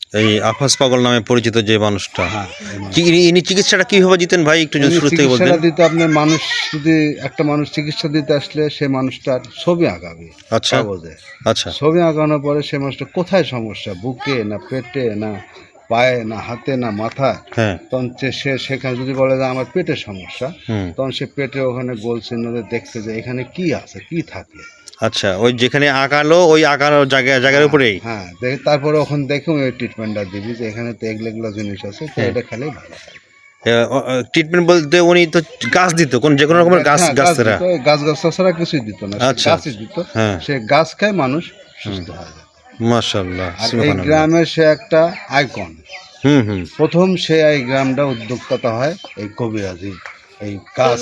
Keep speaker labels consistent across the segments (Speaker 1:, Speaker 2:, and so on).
Speaker 1: এই আফাস পাগল নামে পরিচিত যে মানুষটা,
Speaker 2: হ্যাঁ
Speaker 1: ইনি চিকিৎসাটা কিভাবে দিতেন ভাই, একটু যদি শুরু থেকে বলতেন।
Speaker 2: চিকিৎসাটা দিতে আপনার মানুষ যদি একটা মানুষ চিকিৎসা দিতে আসলে সে মানুষটার ছবি আঁকাবে
Speaker 1: আচ্ছা
Speaker 2: কাগজে।
Speaker 1: আচ্ছা
Speaker 2: ছবি আঁকানোর পরে সে মানুষটা কোথায় সমস্যা, বুকে না পেটে না পায়ে না হাতে না মাথায়,
Speaker 1: হ্যাঁ
Speaker 2: তখন সে সেখানে যদি বলে যে আমার পেটের সমস্যা,
Speaker 1: হুম
Speaker 2: তখন সে পেটে ওখানে গোল চিহ্ন দিয়ে দেখতে যে এখানে কি আছে কি থাকে।
Speaker 1: আচ্ছা, ওই যেখানে আঁকালো ওই আঁকানোর জায়গার উপরেই।
Speaker 2: হ্যাঁ দেখে তারপরে ওখানে দেখে ওই ট্রিটমেন্টটা দিবি যে এখানে তো এগুলো জিনিস আছে, তো এটা খেলেই ভালো হয়।
Speaker 1: ট্রিটমেন্ট বলতে উনি তো গাছ দিত, কোন যে কোনো রকমের গাছ
Speaker 2: হ্যাঁ,
Speaker 1: গাছরা।
Speaker 2: দিত, গাছ ছাড়া কিছুই দিত না, সে
Speaker 1: আচ্ছা
Speaker 2: গাছই দিত।
Speaker 1: হ্যাঁ
Speaker 2: সে গাছ খায় মানুষ সুস্থ হয়।
Speaker 1: মাশাআল্লাহ
Speaker 2: আর এই গ্রামের সে একটা আইকন।
Speaker 1: হুম হুম
Speaker 2: প্রথম সে এই গ্রামটা উদ্যোক্তা হয় এই কবিরাজি, এই গাছ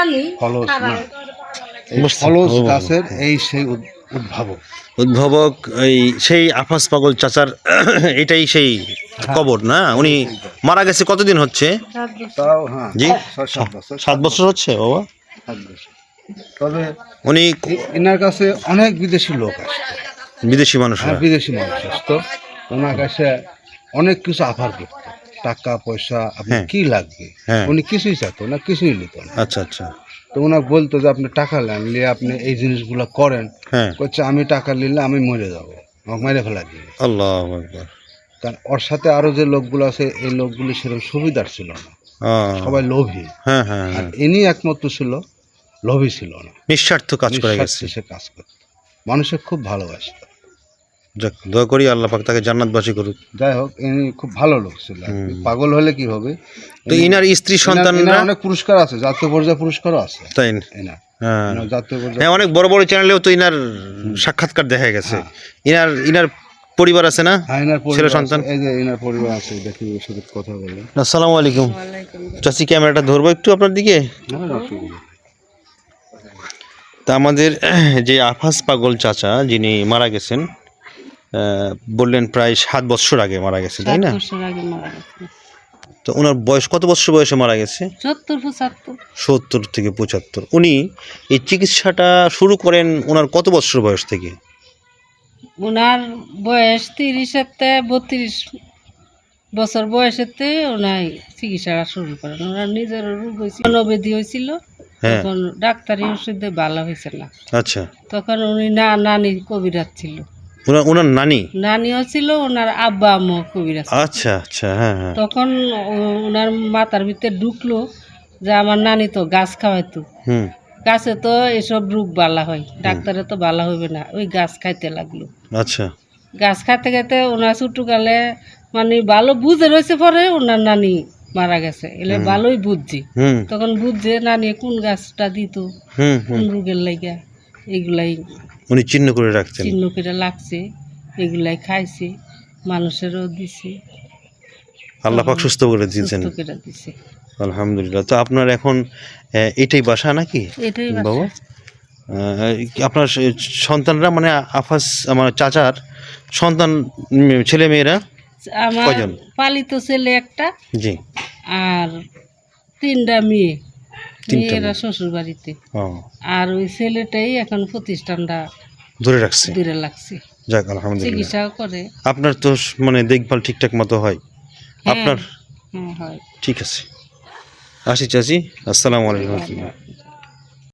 Speaker 2: ফলস না, এই ফলস গাছের এই সেই উদ্ভাবক।
Speaker 1: উদ্ভাবক এই সেই আফাস পাগল চাচার এটাই সেই কবর না? উনি মারা গেছে কতদিন হচ্ছে?
Speaker 2: তাও হ্যাঁ
Speaker 1: জি
Speaker 2: 6-7 বছর।
Speaker 1: 7 বছর হচ্ছে বাবা।
Speaker 2: 7 বছর। তবে
Speaker 1: উনি
Speaker 2: এনার কাছে অনেক বিদেশি লোক আসতো,
Speaker 1: বিদেশি মানুষরা।
Speaker 2: বিদেশি মানুষ আসতো, ওনার কাছে অনেক কিছু অফার করতো, টাকা পয়সা আপনার
Speaker 1: হ্যাঁ।
Speaker 2: কি লাগবে,
Speaker 1: হ্যাঁ
Speaker 2: উনি কিছুই চাইতো না, কিছুই নিত না।
Speaker 1: আচ্ছা আচ্ছা
Speaker 2: তো ওনাকে বলতো যে আপনি টাকা নেন, নিয়ে আপনি এই জিনিসগুলো করেন।
Speaker 1: হ্যাঁ
Speaker 2: করছে আমি টাকা নিলে আমি মরে যাবো, আমাকে মেরে ফেলা দিবে।
Speaker 1: আল্লাহু আকবার।
Speaker 2: কারণ ওর সাথে আরো যে লোকগুলো আছে এই লোকগুলো সেরকম সুবিধার ছিল না, সবাই লোভী।
Speaker 1: হ্যাঁ হ্যাঁ
Speaker 2: আর
Speaker 1: হ্যাঁ
Speaker 2: ইনি একমাত্র ছিল লোভী ছিল না,
Speaker 1: নিঃস্বার্থ কাজ করে গেছে।
Speaker 2: নিঃস্বার্থে সে কাজ করতো, মানুষের খুব ভালোবাসতো।
Speaker 1: যাক, দোয়া করি আল্লাহ পাক তাকে জান্নাতবাসী করুক।
Speaker 2: যাই হোক ইনি খুব ভালো লোক ছিল আর কি।
Speaker 1: হুম।
Speaker 2: পাগল হলে কি হবে।
Speaker 1: তো ইনার স্ত্রী সন্তানরা
Speaker 2: এনার অনেক পুরস্কার আছে, জাতীয় পর্যায়ে পুরস্কারও আছে
Speaker 1: তাই?
Speaker 2: এনার।
Speaker 1: হ্যাঁ
Speaker 2: এনার জাতীয়
Speaker 1: হ্যাঁ,
Speaker 2: পর্যায়ে
Speaker 1: অনেক বড় বড় চ্যানেলেও তো ইনার সাক্ষাৎকার দেখা গেছে। ইনার ইনার পরিবার আছে না?
Speaker 2: হ্যাঁ, এনার
Speaker 1: ছেলে
Speaker 2: পরিবার
Speaker 1: সন্তান।
Speaker 2: আছে, এই যে এনার পরিবার আছে, দেখি ওর সাথে কথা বলে।
Speaker 1: আসসালামু আলাইকুম চাচি, ক্যামেরাটা ধরবো একটু আপনার দিকে।
Speaker 2: হ্যাঁ অসুবিধা নেই।
Speaker 1: তা আমাদের যে আফাস পাগল চাচা যিনি মারা গেছেন, বললেন প্রায় 7 বছর আগে মারা গেছে, তাই না?
Speaker 3: 7 বছর আগে মারা গেছে।
Speaker 1: তো ওনার বয়স কত বছর বয়সে মারা গেছে?
Speaker 3: 70-75।
Speaker 1: 70 থেকে 75। উনি এই চিকিৎসাটা শুরু করেন ওনার কত বছর বয়স থেকে?
Speaker 3: ওনার বয়স 30-তে 32 বছর বয়সেতে ওনার চিকিৎসা শুরু করেন। ওনার নিজের রোগ হয়েছিল, মনোবেদি হয়েছিল,
Speaker 1: হ্যাঁ
Speaker 3: তখন ডাক্তারি ওষুধে ভালো হয়েছে না,
Speaker 1: আচ্ছা।
Speaker 3: তখন উনি নানি কবিরাজ ছিল,
Speaker 1: ওনার নানি?
Speaker 3: নানিও ছিল, ওনার আব্বা আম্মু কবিরাজ ছিল।
Speaker 1: আচ্ছা আচ্ছা হ্যাঁ হ্যাঁ
Speaker 3: তখন ওনার মাথার ভিতরে ঢুকলো যে আমার নানি তো গাছ খাওয়াইতো,
Speaker 1: হুম
Speaker 3: গাছে তো এসব রোগ বালা হয়, ডাক্তারে তো বালা হবে না, ওই গাছ খাইতে লাগলো।
Speaker 1: আচ্ছা
Speaker 3: গাছ খাইতে খাইতে ওনার ছোটকালে মানে ভালো বুঝে রয়েছে, পরে ওনার নানি মারা গেছে, এলে ভালোই বুঝছি।
Speaker 1: হুম
Speaker 3: তখন বুঝছে নানি কোন গাছটা দিত,
Speaker 1: হুম
Speaker 3: কোন
Speaker 1: হুম
Speaker 3: রোগের লাইগা, এগুলাই
Speaker 1: উনি চিহ্ন করে রাখতেন।
Speaker 3: চিহ্ন করে লাগছে, এগুলাই খাইছে, মানুষেরও দিছে,
Speaker 1: আল্লাহ পাক সুস্থ করে দিয়েছেন,
Speaker 3: সুস্থ করে দিছে।
Speaker 1: আলহামদুলিল্লাহ। তো আপনার এখন এটাই বাসা নাকি
Speaker 3: এটাই
Speaker 1: বাবা?
Speaker 3: বাসা।
Speaker 1: আপনার সন্তানরা মানে আফাস আমার চাচার সন্তান, ছেলে মেয়েরা
Speaker 3: আমার
Speaker 1: কয়জন?
Speaker 3: পালিত ছেলে একটা,
Speaker 1: জি
Speaker 3: আর 3টা মেয়ে,
Speaker 1: 3টা
Speaker 3: মেয়েরা
Speaker 1: মেয়ে।
Speaker 3: শ্বশুর বাড়িতে,
Speaker 1: ও
Speaker 3: আর ওই ছেলেটাই এখন প্রতিষ্ঠানটা
Speaker 1: ধরে রাখছে।
Speaker 3: দূরে লাগছে,
Speaker 1: যাক আলহামদুলিল্লাহ।
Speaker 3: চিকিৎসাও করে।
Speaker 1: আপনার তো মানে দেখভাল ঠিকঠাক মতো হয়
Speaker 3: হ্যাঁ,
Speaker 1: আপনার?
Speaker 3: হ্যাঁ হয়।
Speaker 1: ঠিক আছে, আসি চাচি, আসসালামু আলাইকুম।